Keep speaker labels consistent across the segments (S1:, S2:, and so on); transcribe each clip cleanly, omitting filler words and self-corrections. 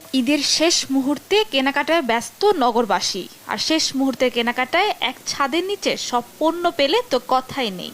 S1: ঈদের শেষ মুহূর্তে কেনাকাটায় ব্যস্ত নগরবাসী, আর শেষ মুহূর্তে কেনাকাটায় এক ছাদের নিচে সব পণ্য পেলে তো কথাই নেই।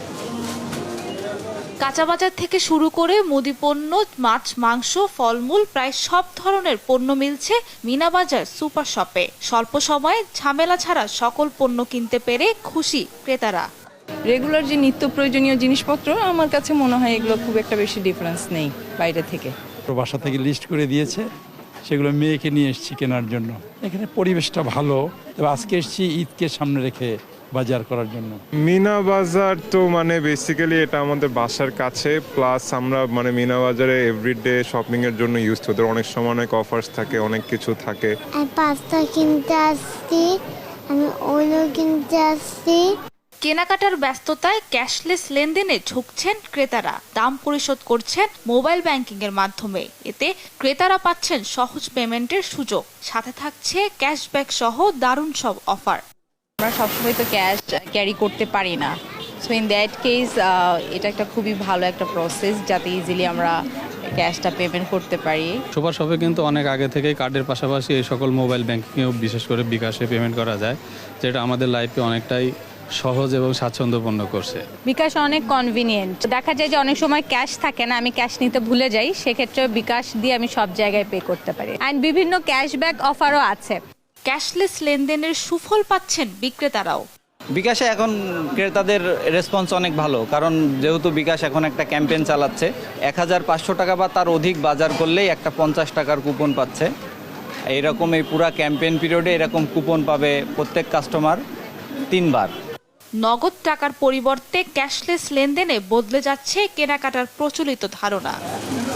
S1: কাঁচা বাজার থেকে শুরু করে মুদি পণ্য, মাছ, মাংস, ফলমূল প্রায় সব ধরনের পণ্য মিলছে মিনা বাজার সুপার শপে। স্বল্প সময়ে ঝামেলা ছাড়া সকল পণ্য কিনতে পেরে খুশি ক্রেতারা।
S2: রেগুলার যে নিত্য প্রয়োজনীয় জিনিসপত্র, আমার কাছে মনে হয় এগুলো খুব একটা বেশি ডিফারেন্স নেই বাইরে থেকে।
S3: বাসা থেকে লিস্ট করে দিয়েছে, সেগুলো মেয়েকে নিয়ে এসেছি কেনার জন্য। এখানে পরিবেশটা ভালো, তবে আজকে এসেছি ঈদকে সামনে রেখে বাজার করার জন্য।
S4: মিনা বাজার তো বেসিক্যালি এটা আমাদের বাসার কাছে, প্লাস আমরা মিনা বাজারে এভরিডে শপিং এর জন্য ইউজ করি। অনেক সময় অনেক অফার্স থাকে, অনেক কিছু থাকে।
S5: আমি পাস্তা কিনতে আসছি, আমি ওইলো কিনতে আসছি।
S1: কেনাকাটার ব্যস্ততায় ক্যাশলেস লেনদেনে ঝুঁকছেন ক্রেতারা। দাম পরিশোধ করছেন মোবাইল ব্যাংকিং এর মাধ্যমে। এতে ক্রেতারা পাচ্ছেন সহজ পেমেন্টের সুযোগ, সাথে থাকছে ক্যাশব্যাক সহ দারুণ সব অফার।
S2: আমরা সবসময় তো ক্যাশ ক্যারি করতে পারি না, সো ইন দ্যাট কেস এটা একটা খুবই ভালো একটা প্রসেস, যাতে ইজিলি আমরা ক্যাশটা পেমেন্ট করতে পারি।
S6: সুপার শপে কিন্তু অনেক আগে থেকেই কার্ডের পাশাপাশি এই সকল মোবাইল ব্যাংকিংয়েও বিশেষ করে বিকাশে পেমেন্ট করা যায়, যেটা আমাদের লাইফে অনেকটাই সহজ এবং স্বাচ্ছন্দ্যপূর্ণ করছে।
S7: বিকাশ অনেক কনভিনিয়েন্ট। দেখা যায় যে অনেক সময় ক্যাশ থাকে না, আমি ক্যাশ নিতে ভুলে যাই, সেক্ষেত্রে বিকাশ দিয়ে আমি সব জায়গায় পে করতে পারি। অ্যান্ড বিভিন্ন ক্যাশব্যাক অফারও আছে।
S1: ক্যাশলেস লেনদেনের সুফল পাচ্ছেন বিক্রেতারাও।
S8: বিকাশে এখন ক্রেতাদের রেসপন্স অনেক ভালো, কারণ যেহেতু বিকাশ এখন একটা ক্যাম্পেইন চালাচ্ছে, 1500 টাকা বা তার অধিক বাজার করলেই একটা 50 টাকার কুপন পাচ্ছে। এইরকম এই পুরা ক্যাম্পেইন পিরিয়ডে এরকম কুপন পাবে প্রত্যেক কাস্টমার 3 বার।
S1: নগদ টাকার পরিবর্তে ক্যাশলেস লেনদেনে বদলে যাচ্ছে কেনাকাটার প্রচলিত ধারণা।